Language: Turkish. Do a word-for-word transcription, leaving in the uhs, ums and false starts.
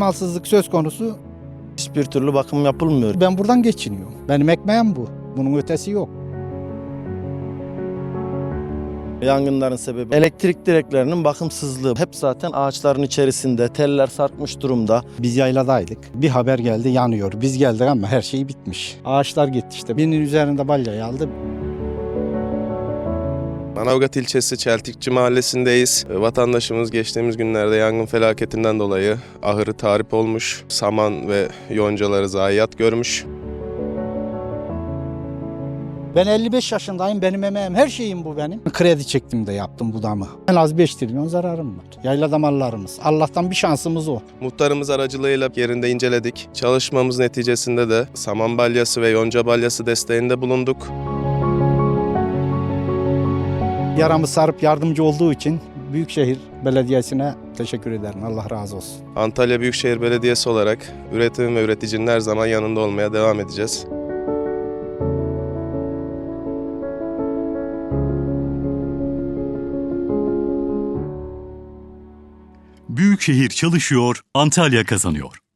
Talimalsızlık söz konusu. Hiçbir türlü bakım yapılmıyor. Ben buradan geçiniyorum. Benim ekmeğim bu. Bunun ötesi yok. Yangınların sebebi elektrik direklerinin bakımsızlığı. Hep zaten ağaçların içerisinde, teller sarkmış durumda. Biz yayladaydık. Bir haber geldi yanıyor. Biz geldik ama her şey bitmiş. Ağaçlar gitti işte. Birinin üzerinde balyayı aldı. Manavgat ilçesi Çeltikçi mahallesindeyiz. Vatandaşımız geçtiğimiz günlerde yangın felaketinden dolayı ahırı tahrip olmuş, saman ve yoncaları zayiat görmüş. Ben elli beş yaşındayım. Benim emeğim, her şeyim bu benim. Kredi çektim de yaptım bu damı. En az beş trilyon zararım var. Yaylada mallarımız. Allah'tan bir şansımız o. Muhtarımız aracılığıyla yerinde inceledik. Çalışmamız neticesinde de saman balyası ve yonca balyası desteğinde bulunduk. Yaramı sarıp yardımcı olduğu için Büyükşehir Belediyesi'ne teşekkür ederim. Allah razı olsun. Antalya Büyükşehir Belediyesi olarak üretim ve üreticinin her zaman yanında olmaya devam edeceğiz. Büyükşehir çalışıyor, Antalya kazanıyor.